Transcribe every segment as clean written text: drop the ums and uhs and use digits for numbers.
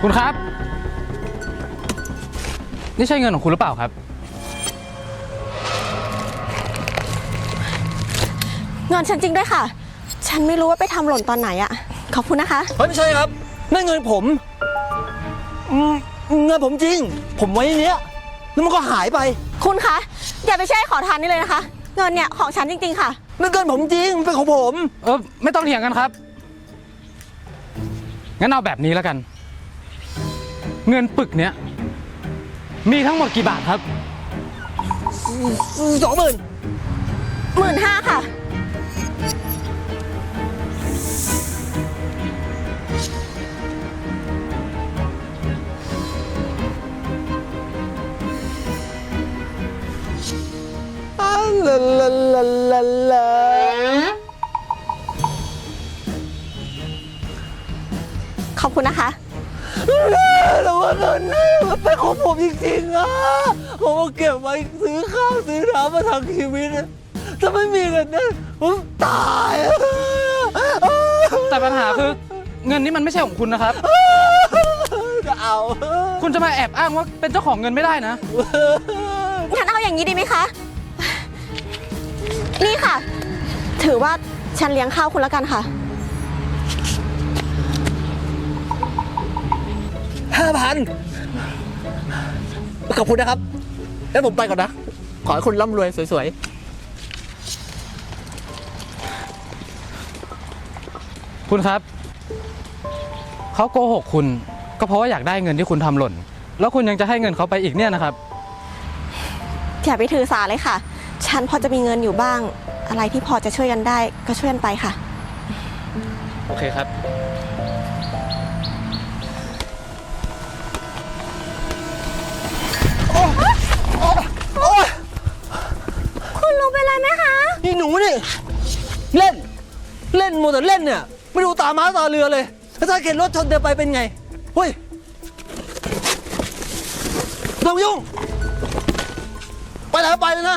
คุณครับนี่ใช่เงินของคุณหรือเปล่าครับเงินฉันจริงด้วยค่ะฉันไม่รู้ว่าไปทำหล่นตอนไหนอะขอบคุณนะคะเฮ้ยไม่ใช่ครับนั่นเงินผมเงินผมจริงผมไว้ในนี้แล้วมันก็หายไปคุณคะอย่าไปแช่ขอทานนี่เลยนะคะเงินเนี่ยของฉันจริงๆค่ะนั่นเงินผมจริงมันเป็นของผมไม่ต้องเถียงกันครับงั้นเอาแบบนี้แล้วกันเงินปึกเนี้ยมีทั้งหมดกี่บาทครับ 20,000 15,000ค่ะลาลาลาลาลาขอบคุณนะคะแต่ว่าเงินนี่มันเป็นของผมจริงๆอะผมเอาเก็บไว้ซื้อข้าวซื้อน้ำมาทั้งชีวิตถ้าไม่มีเงินนั้นผมตายแต่ปัญหาคือเงินนี้มันไม่ใช่ของคุณนะครับจะเอาคุณจะมาแอบอ้างว่าเป็นเจ้าของเงินไม่ได้นะงั้นเอาอย่างนี้ดีไหมคะนี่ค่ะถือว่าฉันเลี้ยงข้าวคุณแล้วกันค่ะ 5,000ขอบคุณนะครับแล้วผมไปก่อนนะขอให้คุณร่ำรวยสวยๆคุณครับเขาโกหกคุณก็เพราะว่าอยากได้เงินที่คุณทำหล่นแล้วคุณยังจะให้เงินเขาไปอีกเนี่ยนะครับอย่าไปถือสาเลยค่ะฉันพอจะมีเงินอยู่บ้างอะไรที่พอจะช่วยกันได้ก็ช่วยกันไปค่ะโอเคครับคุณลุงเป็นไรไหมคะนี่หนูนี่เล่นโมแต่เล่นเนี่ยไม่ดูตาม้าตาเรือเลยถ้าเข็นรถชนเดินไปเป็นไงเฮ้ยต้องยุ่งไปไหนไปเลยนะ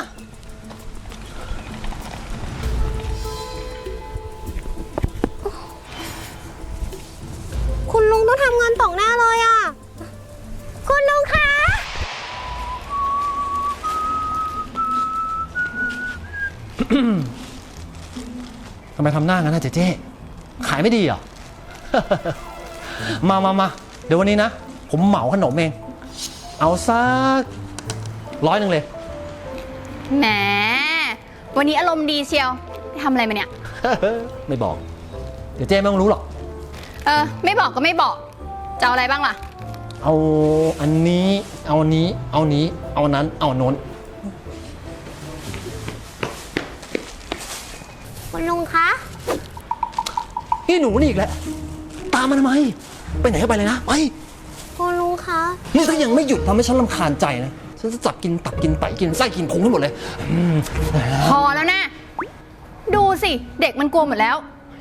คุณลุงต้องทำงานต่อหน้าเลยอ่ะคุณลุงคะทำไมทำหน้างั้นนะเจ๊ขายไม่ดีเหรอ มาเดี๋ยววันนี้นะผมเหมาขนมเองเอาสัก100เลยแหมวันนี้อารมณ์ดีเชียวทำอะไรมาเนี่ยไม่บอกเดี๋ยวเจ๊ไม่ต้องรู้หรอกไม่บอกก็ไม่บอกจะเอาอะไรบ้างล่ะเอาอันนี้เอาอันนี้เอานี้เอานั้นเอาโน้นคุณลุงคะนี่หนูนี่อีกแล้วตามมาทำไมไปไหนก็ไปเลยนะไปคุณลุงคะนี่ถ้ายังไม่หยุดทำให้ฉันรำคาญใจนะฉันจะจับกินตับกินไตกินไส้กินพุงทั้งหมดเลยพอแล้วนะดูสิเด็กมันกลัวหมดแล้ว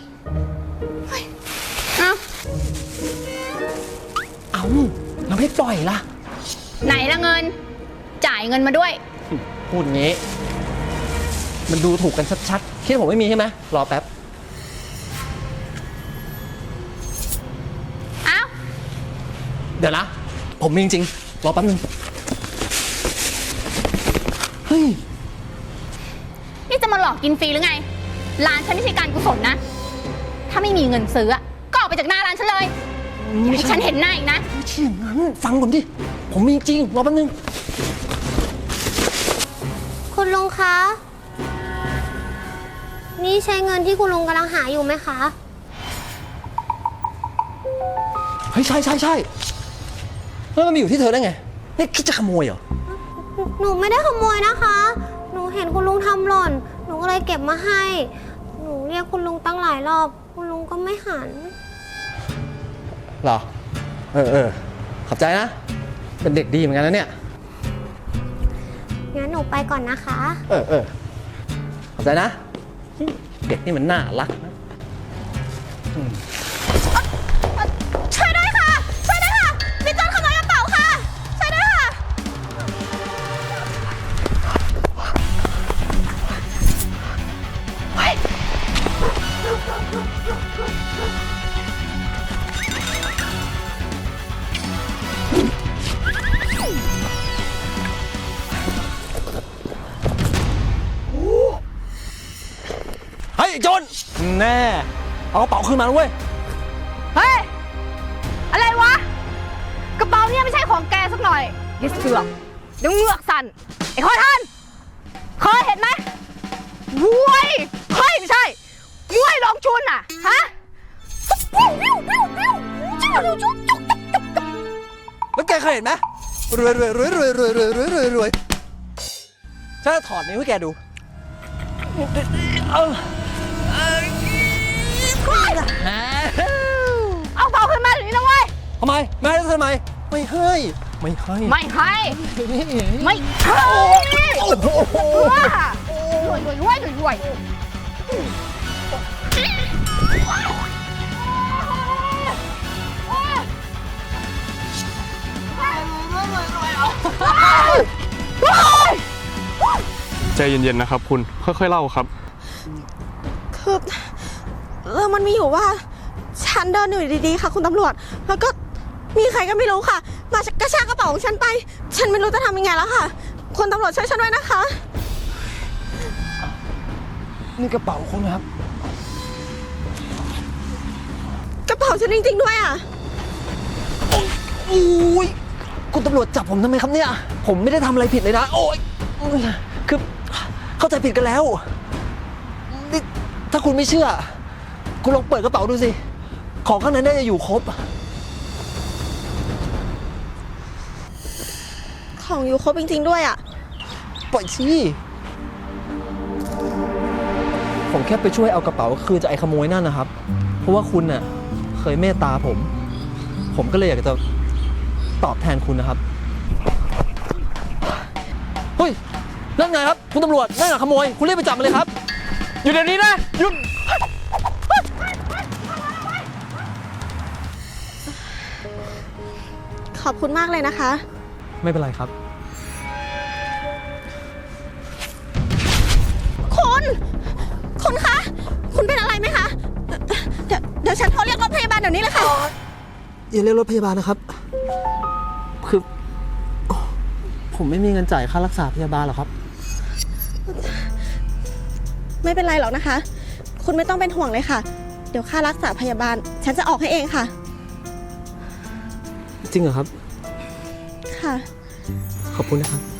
เอาเราไม่ปล่อยล่ะไหนละเงินจ่ายเงินมาด้วยพูดงี้มันดูถูกกันชัดๆคิดว่าผมไม่มีใช่ไหมรอแป๊บอ้าวเดี๋ยวนะผมมีจริงๆรอแป๊บนึงเฮ้ยนี่จะมาหลอกกินฟรีหรือไงร้านฉันไม่ใช่การกุศลนะถ้าไม่มีเงินซื้อก็ออกไปจากหน้าร้านฉันเลยอย่าให้ฉันเห็นหน้าอีกนะไม่ใช่อย่างนั้นฟังผมดิผมมีจริงรอแป๊บนึงคุณลุงคะนี่ใช้เงินที่คุณลุงกำลังหาอยู่ไหมคะเฮ้ยใช่แล้วมันมาอยู่ที่เธอได้ไงนี่คิดจะขโมยเหรอหนูไม่ได้ขโมยนะคะหนูเห็นคุณลุงทำหล่นหนูก็เลยเก็บมาให้หนูเรียกคุณลุงตั้งหลายรอบคุณลุงก็ไม่หันหรอขอบใจนะเป็นเด็กดีเหมือนกันนะเนี่ยงั้นหนูไปก่อนนะคะขอบใจนะเด็กนี่มันน่ารักนะช่วยด้วยค่ะมีโจรขโมยกระเป๋าค่ะช่วยด้วยค่ะรแน่เอากระเป๋าคืนมาเว้ยเฮ้ย อะไรวะ กระเป๋าเนี่ยไม่ใช่ของแกสักหน่อยยิ่เสือกเดี๋ยวเหงือกสั่น ไอ้ขอทานเคยเห็นไหมมวยเฮ้ยไม่ใช่มวยลองชุนอ่ะ ฮะจิ้วจุ๊บจุ๊บจุ๊บจุ๊บแล้วแกเคยเห็นไหมรวยฉันจะถอดนิ้วให้แกดูเอาเป๋าขึ้นมาเดี๋ยวนี้นะเว้ยทำไมไม่ให้ทำไมไม่ให้ไม่ให้ไม่ให้ไม่ให้โอ้โหรวยใจเย็นๆนะครับคุณค่อยๆเล่าครับคือเรื่องมันมีอยู่ว่าฉันเดินอยู่ดีๆค่ะคุณตำรวจ แล้วก็มีใครก็ไม่รู้ค่ะ มากระชากกระเป๋าของฉันไป ฉันไม่รู้จะทำยังไงแล้วค่ะคุณตำรวจช่วยฉันด้วยนะคะนี่กระเป๋าคุณครับกระเป๋าฉันจริงๆด้วยอ่ะอุ้ยคุณตำรวจจับผมทำไมครับเนี่ยผมไม่ได้ทำอะไรผิดเลยนะโอ้ยคือเข้าใจผิดกันแล้วนี่ถ้าคุณไม่เชื่อคุณลองเปิดกระเป๋าดูสิของข้างในน่าจะอยู่ครบของอยู่ครบจริงๆด้วยอ่ะปล่อยสิผมแค่ไปช่วยเอากระเป๋าคืนจากไอ้ขโมยนั่นนะครับ เพราะว่าคุณน่ะเคยเมตตาผมก็เลยอยากจะตอบแทนคุณนะครับเฮ้ยนั่นไงครับคุณตำรวจนั่นแหละขโมยคุณรีบไปจับมันเลยครับอยู่เดี๋ยวนี้นะหยุดขอบคุณมากเลยนะคะไม่เป็นไรครับคุณคะ คุณเป็นอะไรไหมคะ เดี๋ยวฉันโทรเรียกรถพยาบาลเดี๋ยวนี้เลยค่ะอย่าเรียกรถพยาบาลนะครับคือผมไม่มีเงินจ่ายค่ารักษาพยาบาลหรอกครับไม่เป็นไรหรอกนะคะ คุณไม่ต้องเป็นห่วงเลยค่ะ เดี๋ยวค่ารักษาพยาบาล ฉันจะออกให้เองค่ะจริงเหรอครับค่ะขอบคุณนะครับ